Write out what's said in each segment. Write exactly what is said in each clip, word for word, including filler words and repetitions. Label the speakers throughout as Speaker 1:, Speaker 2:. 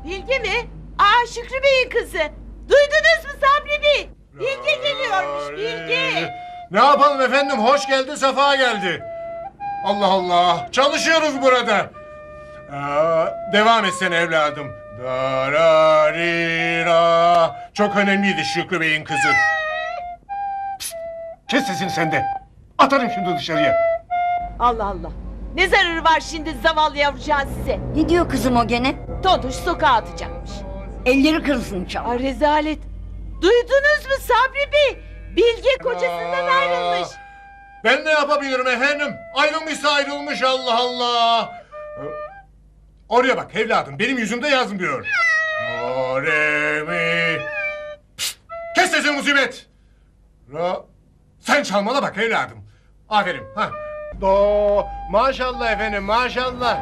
Speaker 1: Bilge mi? Aa, Şükrü Bey'in kızı. Duydunuz mu Sabri Bey? Bilge geliyormuş, Bilge.
Speaker 2: Ne yapalım efendim, hoş geldi, sefa geldi. Allah Allah, çalışıyoruz burada. Aa, devam etsene evladım. Dararira. Çok önemliydi Şükrü Bey'in kızı. Pişt, kes sesini sen de. Atarım şimdi dışarıya.
Speaker 1: Allah Allah. Ne zararı var şimdi zavallı yavrucağın size?
Speaker 3: Ne diyor kızım o gene?
Speaker 1: Totuş sokağa atacakmış.
Speaker 3: Elleri kırılsın inşallah.
Speaker 1: Ay rezalet. Duydunuz mu Sabri Bey? Bilge kocasından
Speaker 2: Aa,
Speaker 1: ayrılmış.
Speaker 2: Ben ne yapabilirim efendim? Ayrılmışsa ayrılmış, Allah Allah. Oraya bak evladım, benim yüzümde yazmıyor. Do, re, mi. Pişt, kes sesini musibet. Ra. Sen çalmana bak evladım. Aferin. Ha. Do. Maşallah efendim, maşallah.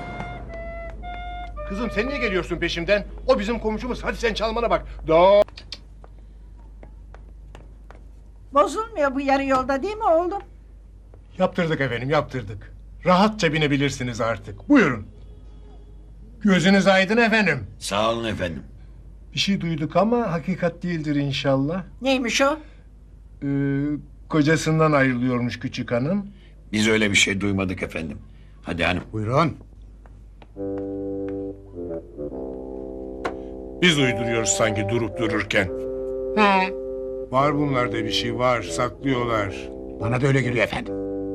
Speaker 2: Kızım sen niye geliyorsun peşimden? O bizim komşumuz. Hadi sen çalmana bak. Do.
Speaker 4: Bozulmuyor bu yarı yolda değil mi oğlum?
Speaker 2: Yaptırdık efendim, yaptırdık. Rahatça binebilirsiniz artık. Buyurun. Gözünüz aydın efendim.
Speaker 5: Sağ olun efendim.
Speaker 2: Bir şey duyduk ama hakikat değildir inşallah.
Speaker 4: Neymiş o?
Speaker 2: Ee, kocasından ayrılıyormuş küçük hanım.
Speaker 5: Biz öyle bir şey duymadık efendim. Hadi hanım.
Speaker 2: Buyurun. Biz uyduruyoruz sanki durup dururken. He. Var bunlarda bir şey var, saklıyorlar.
Speaker 6: Bana da öyle geliyor efendim.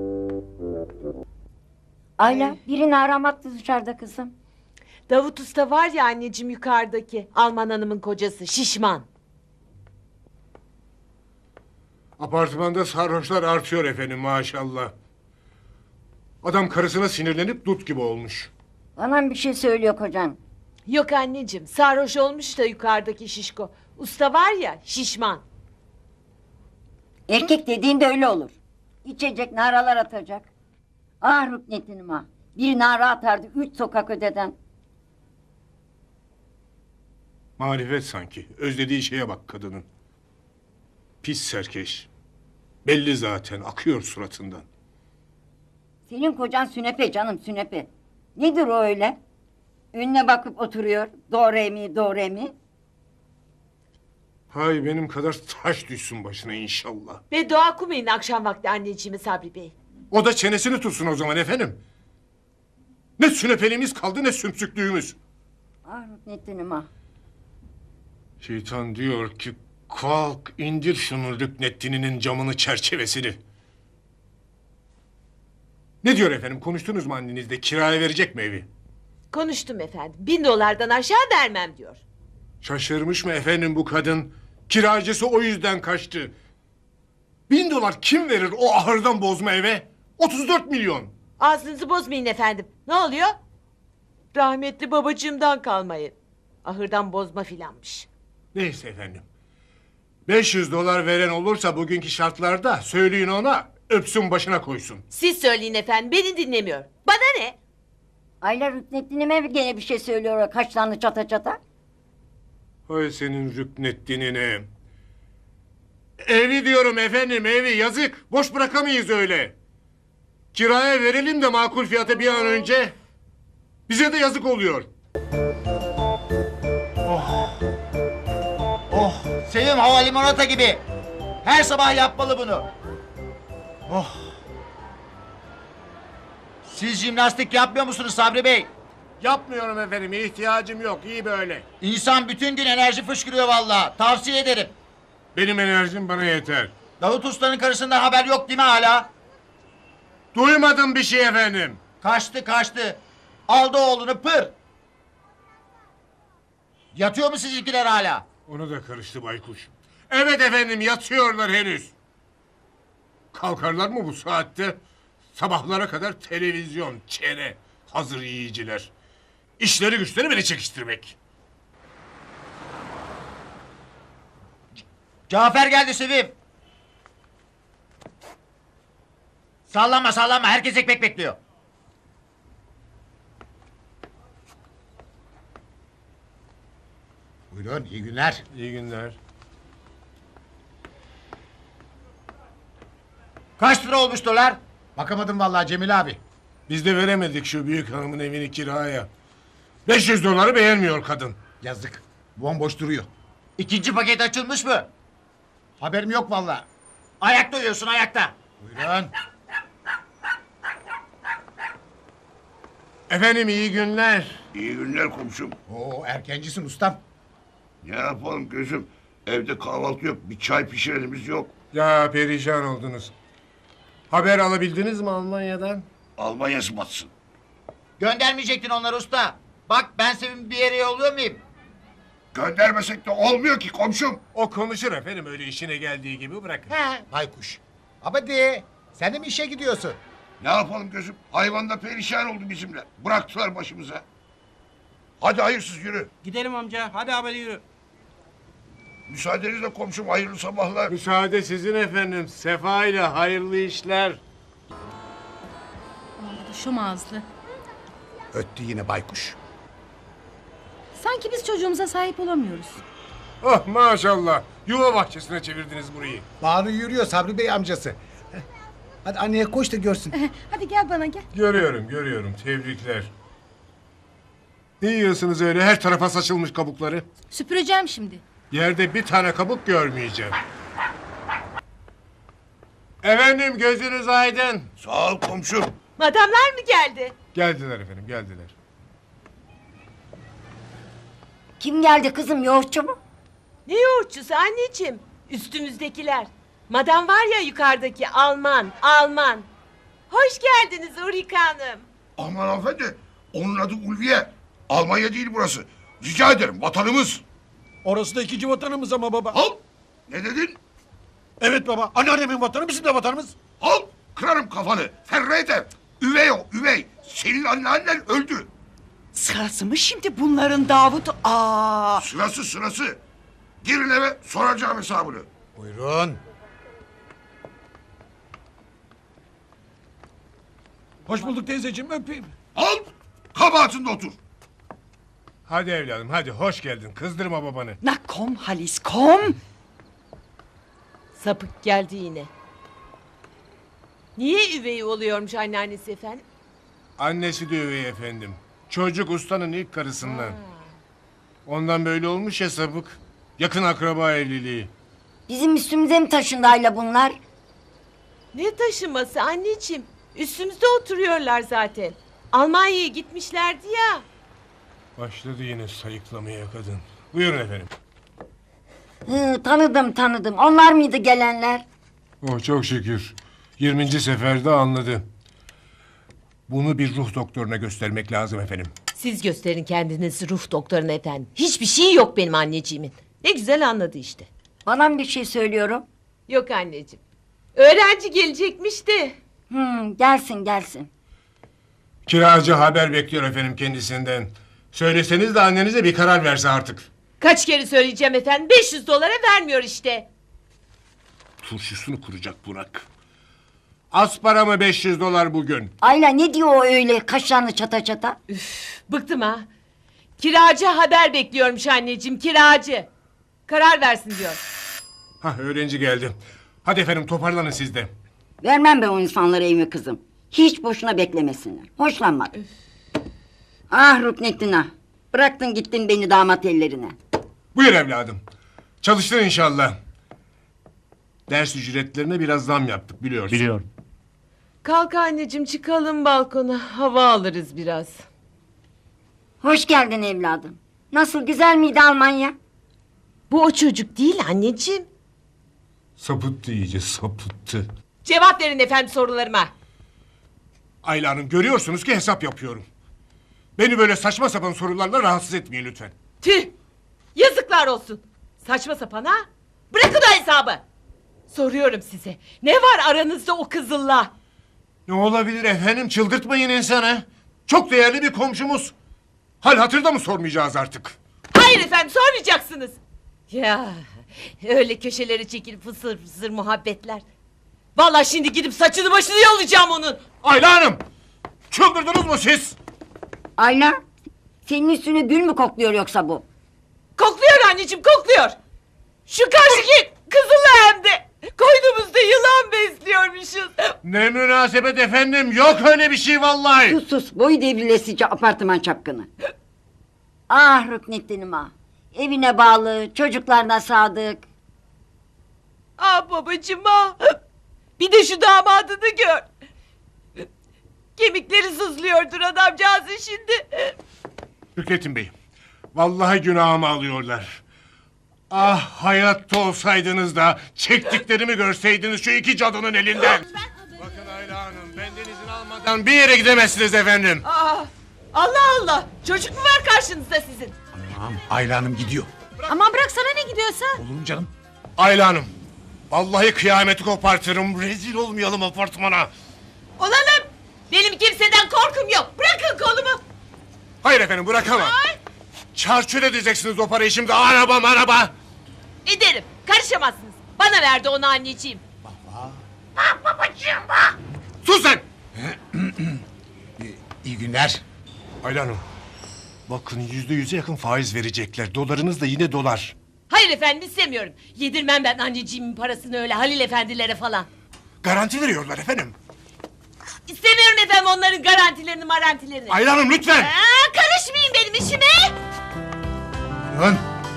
Speaker 3: Ayla birini aramaktı dışarıda kızım.
Speaker 1: Davut Usta var ya anneciğim yukarıdaki. Alman hanımın kocası şişman.
Speaker 2: Apartmanda sarhoşlar artıyor efendim maşallah. Adam karısına sinirlenip dut gibi olmuş.
Speaker 3: Bana bir şey söylüyor kocan.
Speaker 1: Yok anneciğim sarhoş olmuş da yukarıdaki şişko. Usta var ya şişman.
Speaker 3: Erkek dediğin de öyle olur. İçecek naralar atacak. Ah rüknetinim ha. Bir nara atardı üç sokak öteden.
Speaker 2: Marifet sanki. Özlediği şeye bak kadının. Pis serkeş. Belli zaten, akıyor suratından.
Speaker 3: Senin kocan sünepe canım sünepe. Nedir o öyle? Önüne bakıp oturuyor. Do re mi do re mi.
Speaker 2: Hay benim kadar taş düşsün başına inşallah.
Speaker 1: Ve dua okumayın akşam vakti anneciğimi Sabri Bey.
Speaker 2: O da çenesini tutsun o zaman efendim. Ne sünepeliğimiz kaldı ne sümsüklüğümüz.
Speaker 3: Ah rüknetinim ha.
Speaker 2: Şeytan diyor ki kalk indir şunun rüknettininin camını çerçevesini. Ne diyor efendim, konuştunuz mu annenizle, kiraya verecek mi evi?
Speaker 1: Konuştum efendim. Bin dolardan aşağı vermem diyor.
Speaker 2: Şaşırmış mı efendim bu kadın? Kiracısı o yüzden kaçtı. Bin dolar kim verir o ahırdan bozma eve? otuz dört milyon.
Speaker 1: Ağzınızı bozmayın efendim. Ne oluyor? Rahmetli babacığımdan kalmayın. Ahırdan bozma filanmış.
Speaker 2: Neyse efendim. beş yüz dolar veren olursa bugünkü şartlarda söyleyin ona öpsün başına koysun.
Speaker 1: Siz söyleyin efendim beni dinlemiyor. Bana ne?
Speaker 3: Ayla rüknettinime gene bir şey söylüyor o kaşlarını çata çata.
Speaker 2: Hay senin rüknettinine. Evi diyorum efendim, evi yazık. Boş bırakamayız öyle. Kiraya verelim de makul fiyata bir an önce. Bize de yazık oluyor.
Speaker 6: Oh, Sevim hava limonata gibi. Her sabah yapmalı bunu. Oh. Siz jimnastik yapmıyor musunuz Sabri Bey?
Speaker 2: Yapmıyorum efendim, ihtiyacım yok, iyi böyle.
Speaker 6: İnsan bütün gün enerji fışkırıyor vallahi. Tavsiye ederim.
Speaker 2: Benim enerjim bana yeter.
Speaker 6: Davut Usta'nın karısından haber yok değil mi hala?
Speaker 2: Duymadım bir şey efendim.
Speaker 6: Kaçtı kaçtı. Aldı oğlunu pır. Yatıyor mu sizinkiler hala?
Speaker 2: Ona da karıştı baykuş. Evet efendim, yatıyorlar henüz. Kalkarlar mı bu saatte? Sabahlara kadar televizyon, çene, hazır yiyiciler. İşleri güçleri beni çekiştirmek.
Speaker 6: Cafer geldi Sevim. Sallanma sallanma, herkes ekmek bekliyor. Buyurun, iyi günler.
Speaker 2: İyi günler.
Speaker 6: Kaç lira olmuş dolar? Bakamadım vallahi Cemil abi.
Speaker 2: Biz de veremedik şu büyük hanımın evini kiraya. beş yüz doları beğenmiyor kadın. Yazık. Bomboş duruyor.
Speaker 6: İkinci paket açılmış mı?
Speaker 7: Haberim yok vallahi.
Speaker 6: Ayakta uyuyorsun ayakta.
Speaker 2: Buyurun. Efendim iyi günler.
Speaker 5: İyi günler komşum.
Speaker 7: Oo erkencisin ustam.
Speaker 5: Ne yapalım gözüm? Evde kahvaltı yok. Bir çay pişirenimiz yok.
Speaker 2: Ya perişan oldunuz. Haber alabildiniz mi Almanya'dan?
Speaker 5: Almanya batsın.
Speaker 6: Göndermeyecektin onları usta. Bak ben Sevim'i bir yere yolluyor muyum?
Speaker 5: Göndermesek de olmuyor ki komşum.
Speaker 2: O konuşur efendim öyle işine geldiği gibi bırakın.
Speaker 6: He.
Speaker 7: Baykuş. Abadi sen de mi işe gidiyorsun?
Speaker 5: Ne yapalım gözüm? Hayvan da perişan oldu bizimle. Bıraktılar başımıza. Hadi hayırsız yürü.
Speaker 8: Gidelim amca. Hadi haberi yürü.
Speaker 5: Müsaadenizle komşum hayırlı sabahlar.
Speaker 2: Müsaade sizin efendim. Sefa ile hayırlı işler.
Speaker 9: Şom ağızlı.
Speaker 7: Öttü yine baykuş.
Speaker 9: Sanki biz çocuğumuza sahip olamıyoruz.
Speaker 2: Oh maşallah. Yuva bahçesine çevirdiniz burayı.
Speaker 7: Bağrı yürüyor Sabri Bey amcası. Heh. Hadi anneye koş da görsün.
Speaker 9: Hadi gel bana gel.
Speaker 2: Görüyorum görüyorum. Tebrikler. Ne yiyorsunuz öyle? Her tarafa saçılmış kabukları.
Speaker 9: Süpüreceğim şimdi.
Speaker 2: Yerde bir tane kabuk görmeyeceğim. Efendim gözünüz aydın.
Speaker 5: Sağ ol komşum.
Speaker 1: Madamlar mı geldi?
Speaker 2: Geldiler efendim geldiler.
Speaker 3: Kim geldi kızım, yoğurtçu mu?
Speaker 1: Ne yoğurtçusu anneciğim? Üstümüzdekiler. Madam var ya yukarıdaki Alman, Alman. Hoş geldiniz Ulrike Hanım.
Speaker 5: Aman hanımefendi. Onun adı Ulviye. Almanya değil burası. Rica ederim vatanımız.
Speaker 8: Orası da ikinci vatanımız ama baba.
Speaker 5: Al. Ne dedin?
Speaker 8: Evet baba. Anneannemin vatanı bizim de vatanımız.
Speaker 5: Al. Kırarım kafanı. Ferre eder. Üvey o üvey. Senin anneannen öldü.
Speaker 4: Sırası mı şimdi bunların Davut? Aa!
Speaker 5: Sırası sırası. Girin eve soracağım hesabını.
Speaker 7: Buyurun.
Speaker 8: Hoş bulduk teyzeciğim öpeyim.
Speaker 5: Al. Kabahatinde otur.
Speaker 2: Hadi evladım hadi hoş geldin. Kızdırma babanı.
Speaker 4: Na komm Halis, komm!
Speaker 1: Sapık geldi yine. Niye üvey oluyormuş anneannesi efendim?
Speaker 2: Annesi de üvey efendim. Çocuk ustanın ilk karısından. Ondan böyle olmuş ya sapık. Yakın akraba evliliği.
Speaker 3: Bizim üstümüze mi taşındı Ayla bunlar?
Speaker 1: Ne taşıması anneciğim? Üstümüzde oturuyorlar zaten. Almanya'ya gitmişlerdi ya.
Speaker 2: Başladı yine sayıklamaya kadın. Buyurun efendim.
Speaker 3: Hı, tanıdım tanıdım. Onlar mıydı gelenler?
Speaker 2: Oh çok şükür. yirminci seferde anladı. Bunu bir ruh doktoruna göstermek lazım efendim.
Speaker 1: Siz gösterin kendinizi ruh doktoruna efendim. Hiçbir şey yok benim anneciğimin. Ne güzel anladı işte.
Speaker 3: Bana mı bir şey söylüyorum?
Speaker 1: Yok anneciğim. Öğrenci gelecekmiş de.
Speaker 3: Hı, gelsin gelsin.
Speaker 2: Kiracı haber bekliyor efendim kendisinden. Söyleseniz de annenize bir karar verse artık.
Speaker 1: Kaç kere söyleyeceğim efendim. beş yüz dolara vermiyor işte.
Speaker 2: Turşusunu kuracak Burak. Az para mı beş yüz dolar bugün?
Speaker 3: Ayla ne diyor o öyle kaşlarını çata çata?
Speaker 1: Bıktım ha. Kiracı haber bekliyormuş anneciğim, kiracı. Karar versin diyor.
Speaker 2: Hah öğrenci geldi. Hadi efendim toparlanın siz de.
Speaker 3: Vermem ben o insanlara evimi kızım. Hiç boşuna beklemesinler. Hoşlanmadım. Ah Ruknettin ah. Bıraktın gittin beni damat ellerine.
Speaker 2: Buyur evladım. Çalıştın inşallah. Ders ücretlerine biraz zam yaptık biliyorsun. Biliyorum.
Speaker 1: Kalk anneciğim çıkalım balkona. Hava alırız biraz.
Speaker 3: Hoş geldin evladım. Nasıl güzel miydi Almanya?
Speaker 1: Bu o çocuk değil anneciğim.
Speaker 2: Sapıttı iyice sapıttı.
Speaker 1: Cevap verin efendim sorularıma.
Speaker 2: Ayla Hanım görüyorsunuz ki hesap yapıyorum. Beni böyle saçma sapan sorularla rahatsız etmeyin lütfen.
Speaker 1: Tüh! Yazıklar olsun. Saçma sapan ha? Bırakın o hesabı. Soruyorum size. Ne var aranızda o kızılla?
Speaker 2: Ne olabilir efendim çıldırtmayın insanı. Çok değerli bir komşumuz. Hal hatırda mı sormayacağız artık?
Speaker 1: Hayır efendim sormayacaksınız. Ya öyle köşelere çekilip fısır fısır muhabbetler. Vallahi şimdi gidip saçını başını yolacağım onun.
Speaker 2: Ayla Hanım! Çıldırdınız mı siz?
Speaker 3: Ayla senin üstüne gül mü kokluyor yoksa bu?
Speaker 1: Kokluyor anneciğim kokluyor. Şu karşıki kızılla hem de. Koynumuzda yılan besliyormuşuz.
Speaker 2: Ne münasebet efendim yok öyle bir şey vallahi.
Speaker 3: Sus sus boyu devrilesice apartman çapkını. Ah Rüknettin'im ah. Evine bağlı, çocuklarına sadık.
Speaker 1: Ah babacığım ah. Bir de şu damadını gör. Kemikleri sızlıyordur adamcağızın şimdi.
Speaker 2: Hükrettin Bey, vallahi günahımı alıyorlar. Ah hayatta olsaydınız da çektiklerimi görseydiniz şu iki cadının elinden. Bakın Ayla Hanım, benden izin almadan bir yere gidemezsiniz efendim.
Speaker 1: Ah, Allah Allah. Çocuk mu var karşınızda sizin?
Speaker 7: Tamam Ayla Hanım gidiyor.
Speaker 9: Aman bırak sana ne gidiyorsa.
Speaker 7: Olur mu canım?
Speaker 2: Ayla Hanım, vallahi kıyameti kopartırım. Rezil olmayalım apartmana.
Speaker 1: Olalım. Benim kimseden korkum yok. Bırakın kolumu.
Speaker 2: Hayır efendim, bırakamam.
Speaker 1: Ay,
Speaker 2: Çarçur edeceksiniz o parayı şimdi. Araba araba.
Speaker 1: ederim. Karışamazsınız. Bana verdi onu anneciğim.
Speaker 2: Sus sen.
Speaker 7: İyi günler.
Speaker 2: Ayla Hanım, bakın yüzde yüze yakın faiz verecekler. Dolarınız da yine dolar.
Speaker 1: Hayır efendim istemiyorum. Yedirmem ben anneciğimin parasını öyle Halil efendilere falan.
Speaker 2: Garanti veriyorlar efendim.
Speaker 1: İstemiyorum efendim onların garantilerini marantilerini.
Speaker 2: Ayla Hanım lütfen.
Speaker 1: Aa, karışmayın benim işime.
Speaker 7: Buyurun.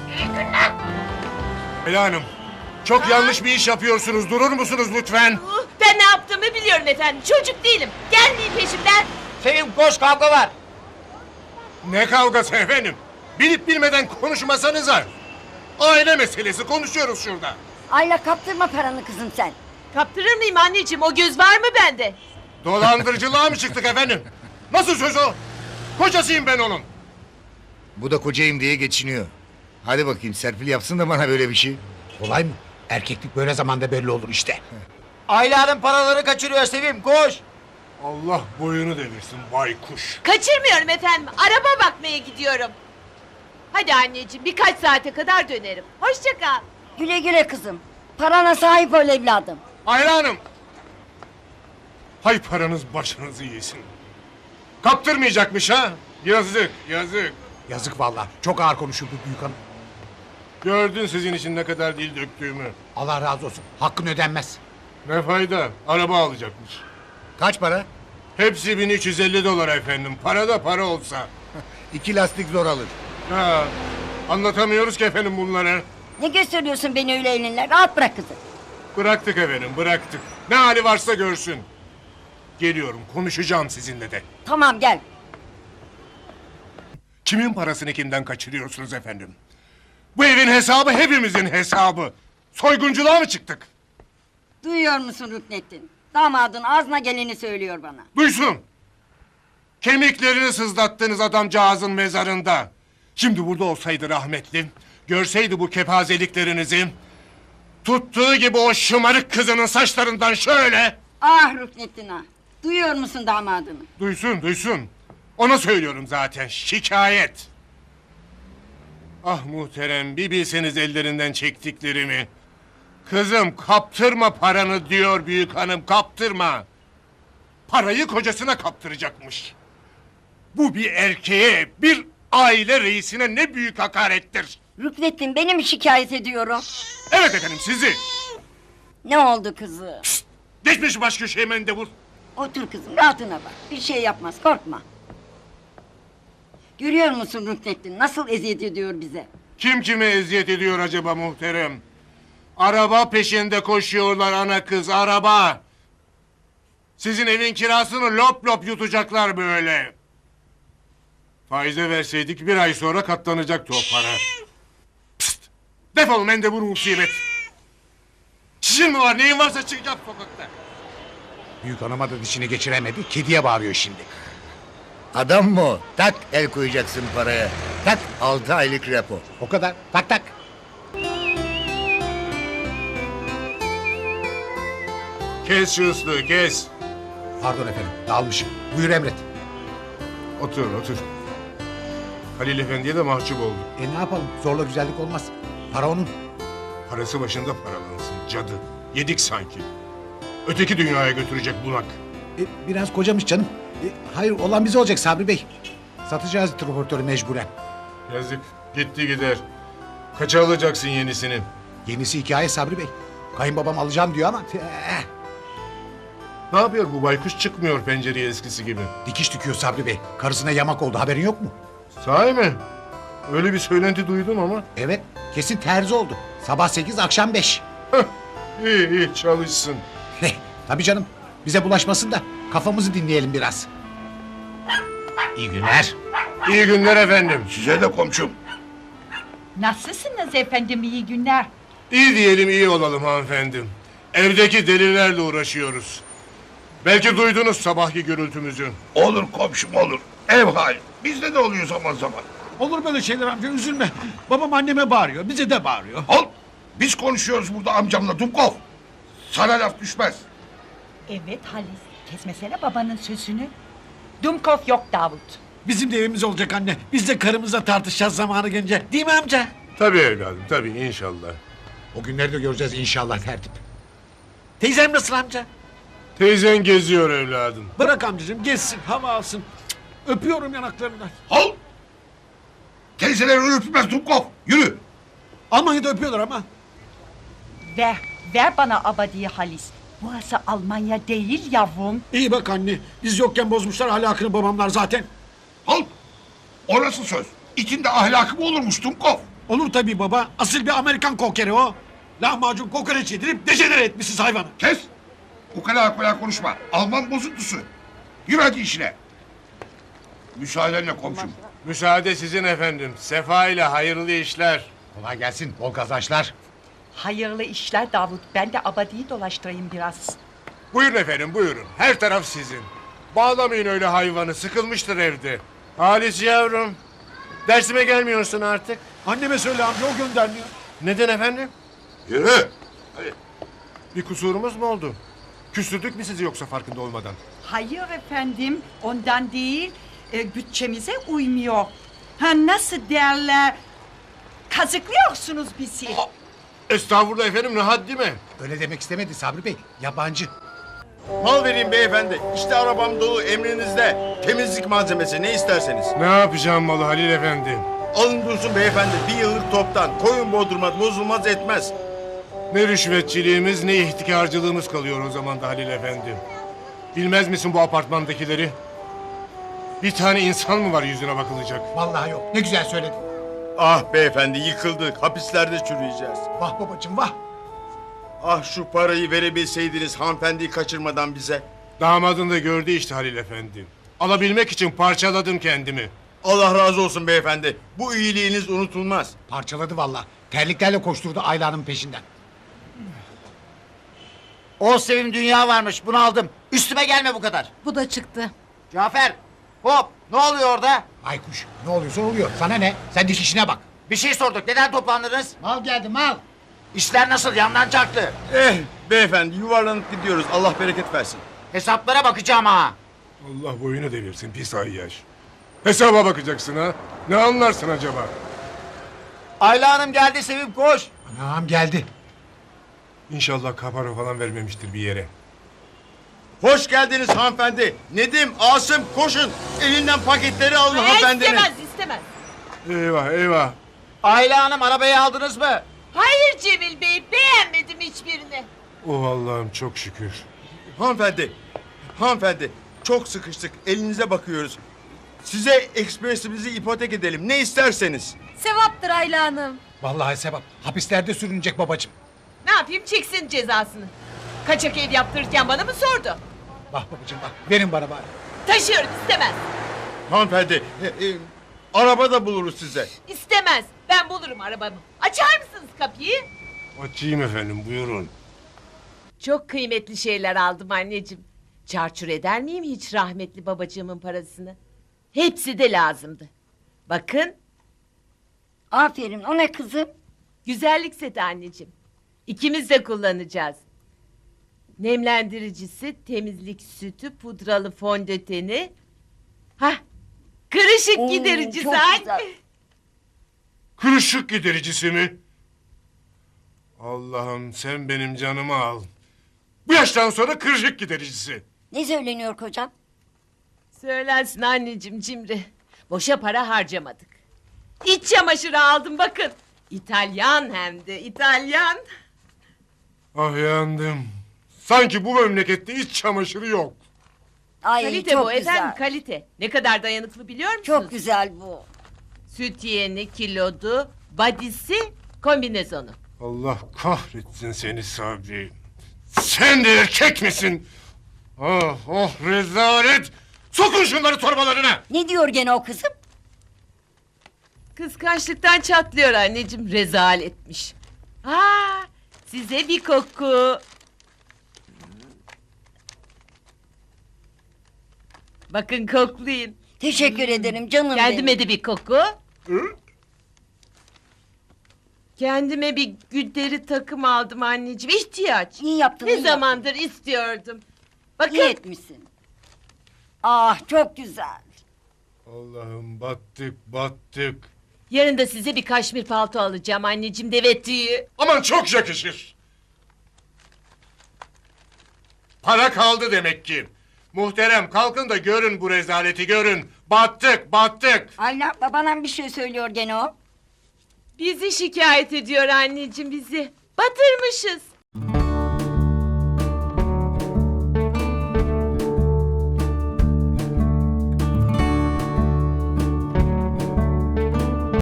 Speaker 2: Ayla Hanım, çok yanlış bir iş yapıyorsunuz. Durur musunuz lütfen?
Speaker 1: Uh, Ben ne yaptığımı biliyorum efendim. Çocuk değilim. Gelmeyin peşimden.
Speaker 6: Sevim koş kavga var.
Speaker 2: Ne kavgası efendim? Bilip bilmeden konuşmasanıza. Aile meselesi konuşuyoruz şurada.
Speaker 3: Ayla kaptırma paranı kızım sen.
Speaker 1: Kaptırır mıyım anneciğim? O göz var mı bende?
Speaker 2: Dolandırıcılığa mı çıktık efendim? Nasıl söz o? Kocasıyım ben onun.
Speaker 5: Bu da kocayım diye geçiniyor. Hadi bakayım Serpil yapsın da bana böyle bir şey.
Speaker 7: Kolay mı? Erkeklik böyle zamanda belli olur işte.
Speaker 6: Ayla'nın paraları kaçırıyor Sevim koş.
Speaker 2: Allah boyunu devirsin baykuş.
Speaker 1: Kaçırmıyorum efendim. Araba bakmaya gidiyorum. Hadi anneciğim birkaç saate kadar dönerim. Hoşça kal.
Speaker 3: Güle güle kızım. Parana sahip ol evladım.
Speaker 2: Ayla Hanım. Hay paranız başınızı yesin. Kaptırmayacakmış ha? Yazık, yazık.
Speaker 7: Yazık vallahi. Çok ağır konuşuldu büyük hanım.
Speaker 2: Gördün sizin için ne kadar dil döktüğümü.
Speaker 7: Allah razı olsun. Hakkın ödenmez.
Speaker 2: Ne fayda? Araba alacakmış.
Speaker 5: Kaç para?
Speaker 2: Hepsi bin üç yüz elli dolar efendim. Para da para olsa.
Speaker 5: İki lastik zor alır.
Speaker 2: Ha, anlatamıyoruz ki efendim bunları.
Speaker 3: Ne gösteriyorsun beni öyle elinle? Rahat bırak kızım.
Speaker 2: Bıraktık efendim, bıraktık. Ne hali varsa görsün. Geliyorum, konuşacağım sizinle de.
Speaker 3: Tamam gel.
Speaker 2: Kimin parasını kimden kaçırıyorsunuz efendim? Bu evin hesabı hepimizin hesabı. Soygunculuğa mı çıktık?
Speaker 3: Duyuyor musun Rüknettin? Damadın ağzına geleni söylüyor bana.
Speaker 2: Duysun. Kemiklerini sızlattınız adamcağızın mezarında. Şimdi burada olsaydı rahmetli, görseydi bu kepazeliklerinizi, tuttuğu gibi o şımarık kızının saçlarından şöyle...
Speaker 3: Ah Rüknettin ah. Duyuyor musun damadını?
Speaker 2: Duysun, duysun. Ona söylüyorum zaten, şikayet. Ah muhterem, bir bilseniz ellerinden çektiklerimi. Kızım kaptırma paranı diyor büyük hanım, kaptırma. Parayı kocasına kaptıracakmış. Bu bir erkeğe, bir aile reisine ne büyük hakarettir.
Speaker 3: Rüknettin beni mi şikayet ediyorum?
Speaker 2: Evet efendim, sizi.
Speaker 3: Ne oldu kızım?
Speaker 2: Geçmiş baş köşeye mendebur.
Speaker 3: Otur kızım rahatına bak. Bir şey yapmaz korkma. Görüyor musun Rüknettin nasıl eziyet ediyor bize?
Speaker 2: Kim kime eziyet ediyor acaba muhterem? Araba peşinde koşuyorlar ana kız, araba. Sizin evin kirasını lop lop yutacaklar böyle. Faize verseydik bir ay sonra katlanacaktı o para. Pst! Defol mendebur musibet. Çişin mi var, neyin varsa çıkacak sokakta.
Speaker 7: Büyük hanıma da dişini geçiremedi. Kediye bağırıyor şimdi.
Speaker 5: Adam mı o? Tak el koyacaksın paraya. Tak altı aylık repo.
Speaker 7: O kadar. Tak tak.
Speaker 2: Kes şu ıslığı, kes.
Speaker 7: Pardon efendim. Dağılmışım. Buyur emret.
Speaker 2: Otur, otur. Halil Efendi'ye de mahcup oldum.
Speaker 7: E ne yapalım? Zorla güzellik olmaz. Para onun.
Speaker 2: Parası başında paralansın, cadı. Yedik sanki. Öteki dünyaya götürecek bunak.
Speaker 7: E, biraz kocamış canım. E, hayır olan bize olacak Sabri Bey. Satacağız transportörü mecburen.
Speaker 2: Yazık, gitti gider. Kaça alacaksın yenisini?
Speaker 7: Yenisi hikaye Sabri Bey. Kayınbabam alacağım diyor ama... Eh,
Speaker 2: Ne yapıyor bu baykuş, çıkmıyor pencereye eskisi gibi.
Speaker 7: dikiş dikiyor Sabri Bey. Karısına yamak oldu haberin yok mu?
Speaker 2: Sahi mi? Öyle bir söylenti duydum ama.
Speaker 7: Evet, kesin terzi oldu. Sabah sekiz, akşam beş.
Speaker 2: İyi iyi çalışsın.
Speaker 7: Tabii canım. Bize bulaşmasın da kafamızı dinleyelim biraz. İyi günler.
Speaker 2: İyi günler efendim.
Speaker 5: Size de komşum.
Speaker 4: Nasılsınız efendim, iyi günler.
Speaker 2: İyi diyelim iyi olalım hanımefendim. Evdeki delilerle uğraşıyoruz. Belki duydunuz sabahki gürültümüzü.
Speaker 5: Olur komşum olur. Ev hali. Bizde de oluyor zaman zaman.
Speaker 8: Olur böyle şeyler amca üzülme. Babam anneme bağırıyor bize de bağırıyor.
Speaker 5: Al. Biz konuşuyoruz burada amcamla Dumkov. Sana laf düşmez.
Speaker 4: Evet Halis, kesmesene babanın sözünü. Dumkov yok Davut.
Speaker 8: Bizim de evimiz olacak anne. Biz de karımızla tartışacağız zamanı gelince. Değil mi amca?
Speaker 2: Tabii evladım tabii inşallah.
Speaker 7: O günleri de göreceğiz inşallah tertip.
Speaker 8: Teyzem nasıl amca?
Speaker 2: Teyzen geziyor evladım.
Speaker 8: Bırak amcacığım gezsin hava alsın. Cık, öpüyorum yanaklarından.
Speaker 5: Al. Teyzeler öpmez Dumkov. Yürü.
Speaker 8: Almanya'da öpüyorlar ama.
Speaker 4: Ver, ver bana abadiyi Halis. Burası Almanya değil yavrum.
Speaker 8: İyi bak anne. Biz yokken bozmuşlar ahlakını babamlar zaten.
Speaker 5: Al. Orası söz. İçinde ahlakı mı olurmuş Dumkov?
Speaker 8: Olur tabii baba. Asıl bir Amerikan kokeri o. Lahmacun kokoreç yedirip dejenere etmişsiniz hayvanı.
Speaker 5: Kes. Ukala ukala konuşma. Alman bozuntusu. Yürü hadi işine. Müsaadenle komşum.
Speaker 2: Müsaade sizin efendim. Sefa ile hayırlı işler.
Speaker 7: Kolay gelsin, bol kazançlar.
Speaker 4: Hayırlı işler Davut. Ben de abadiyi dolaştırayım biraz.
Speaker 2: Buyurun efendim buyurun. Her taraf sizin. Bağlamayın öyle hayvanı. Sıkılmıştır evde. Halis yavrum. Dersime gelmiyorsun artık.
Speaker 8: Anneme söyle amca o göndermiyor.
Speaker 2: Neden efendim?
Speaker 5: Yürü. Hadi.
Speaker 2: Bir kusurumuz mu oldu? Küstürdük mü sizi yoksa farkında olmadan?
Speaker 4: Hayır efendim, ondan değil. E, bütçemize uymuyor. Ha nasıl derler? Kazıklıyorsunuz bizi.
Speaker 2: Estağfurullah efendim ne haddi mi?
Speaker 7: Öyle demek istemedi Sabri Bey. Yabancı.
Speaker 6: Mal vereyim beyefendi. İşte arabam dolu emrinizde. Temizlik malzemesi ne isterseniz.
Speaker 2: Ne yapacağım malı Halil efendi?
Speaker 6: Alın dursun beyefendi. Bir yıllık toptan. Koyun bozdurmaz, bozulmaz etmez.
Speaker 2: Ne rüşvetçiliğimiz ne ihtikarcılığımız kalıyor o zaman da Halil efendi. Bilmez misin bu apartmandakileri? Bir tane insan mı var yüzüne bakılacak?
Speaker 7: Vallahi yok. Ne güzel söyledin.
Speaker 6: Ah beyefendi yıkıldık. Hapislerde çürüyeceğiz.
Speaker 7: Vah babacığım vah.
Speaker 6: Ah şu parayı verebilseydiniz hanımefendiyi kaçırmadan bize.
Speaker 2: Damadın da gördü işte Halil efendi. Alabilmek için parçaladım kendimi.
Speaker 6: Allah razı olsun beyefendi. Bu iyiliğiniz unutulmaz.
Speaker 7: Parçaladı vallahi. Terliklerle koşturdu Ayla'nın peşinden.
Speaker 6: O sevim dünya varmış. Bunu aldım. Üstüme gelme bu kadar.
Speaker 9: Bu da çıktı.
Speaker 6: Cafer. Hop. Ne oluyor orada?
Speaker 7: Aykuş, ne oluyorsa oluyor. Sana ne? Sen diş işine bak.
Speaker 6: Bir şey sorduk. Neden toplandınız?
Speaker 7: Mal geldi mal.
Speaker 6: İşler nasıl? Yandan çaktı. Eh beyefendi yuvarlanıp gidiyoruz. Allah bereket versin. Hesaplara bakacağım ha.
Speaker 2: Allah boyunu devirsin pis ayyaş. Hesaba bakacaksın ha. Ne anlarsın acaba?
Speaker 6: Ayla Hanım geldi Sevim koş.
Speaker 7: Anam geldi.
Speaker 2: İnşallah kapara falan vermemiştir bir yere.
Speaker 6: Hoş geldiniz hanımefendi. Nedim, Asım koşun. Elinden paketleri alın hanımefendinin.
Speaker 1: istemez istemez.
Speaker 2: Eyvah eyvah.
Speaker 6: Ayla Hanım arabayı aldınız mı?
Speaker 1: Hayır Cemil Bey beğenmedim hiçbirini.
Speaker 2: Oh Allah'ım çok şükür.
Speaker 6: Hanımefendi, hanımefendi çok sıkıştık. Elinize bakıyoruz. Size ekspresimizi ipotek edelim. Ne isterseniz.
Speaker 9: Sevaptır Ayla Hanım.
Speaker 7: Vallahi sevap. Hapislerde sürünecek babacığım.
Speaker 1: Ne yapayım çeksin cezasını. Kaçak ev yaptırırken bana mı sordu?
Speaker 7: Bak babacığım bak. Verin bana bari.
Speaker 1: Taşıyorum istemez.
Speaker 6: Hanımefendi, e, e, araba da buluruz size.
Speaker 1: İstemez. Ben bulurum arabamı. Açar mısınız kapıyı?
Speaker 2: Açayım efendim buyurun.
Speaker 1: Çok kıymetli şeyler aldım anneciğim. Çarçur eder miyim hiç rahmetli babacığımın parasını? Hepsi de lazımdı. Bakın
Speaker 3: Aferin, o ne kızım?
Speaker 1: güzellik seti anneciğim. İkimiz de kullanacağız. Nemlendiricisi, temizlik sütü, pudralı fondöteni. Hah, kırışık
Speaker 3: Oo,
Speaker 1: gidericisi
Speaker 3: çok
Speaker 1: anne.
Speaker 3: güzel.
Speaker 2: Kırışık gidericisi mi? Allah'ım sen benim canımı al. Bu yaştan sonra kırışık gidericisi.
Speaker 3: Ne söyleniyor kocam?
Speaker 1: Söylensin anneciğim cimri. Boşa para harcamadık. İç çamaşırı aldım bakın. İtalyan hem de İtalyan.
Speaker 2: Ah yandım. Sanki bu memlekette iç çamaşırı yok.
Speaker 3: Ay
Speaker 1: Kalite
Speaker 3: çok
Speaker 1: bu
Speaker 3: güzel.
Speaker 1: efendim kalite. Ne kadar dayanıklı biliyor musunuz?
Speaker 3: Çok güzel bu.
Speaker 1: Süt yeni, kilodu, badisi, kombinezonu.
Speaker 2: Allah kahretsin seni Sabri. Sen de erkek misin? Oh oh rezalet! Sokun şunları torbalarına!
Speaker 3: Ne diyor gene o kızım?
Speaker 1: Kıskançlıktan çatlıyor anneciğim, rezaletmiş. Aa, size bir koku. Bakın koklayın.
Speaker 3: Teşekkür ederim canım
Speaker 1: Kendime
Speaker 3: benim.
Speaker 1: de bir koku. Kendime bir güdleri takım aldım anneciğim. İhtiyaç.
Speaker 3: İyi yaptın.
Speaker 1: Ne
Speaker 3: iyi yaptın.
Speaker 1: zamandır istiyordum. Bakın.
Speaker 3: İyi etmişsin. Ah çok güzel.
Speaker 2: Allah'ım battık battık.
Speaker 1: Yarın da size bir kaşmir palto alacağım anneciğim, deve tüyü.
Speaker 2: Aman çok yakışır. Para kaldı demek ki. Muhterem kalkın da görün bu rezaleti görün. Battık battık.
Speaker 3: Ayla babana bir şey söylüyor gene o.
Speaker 1: Bizi şikayet ediyor anneciğim, bizi. Batırmışız.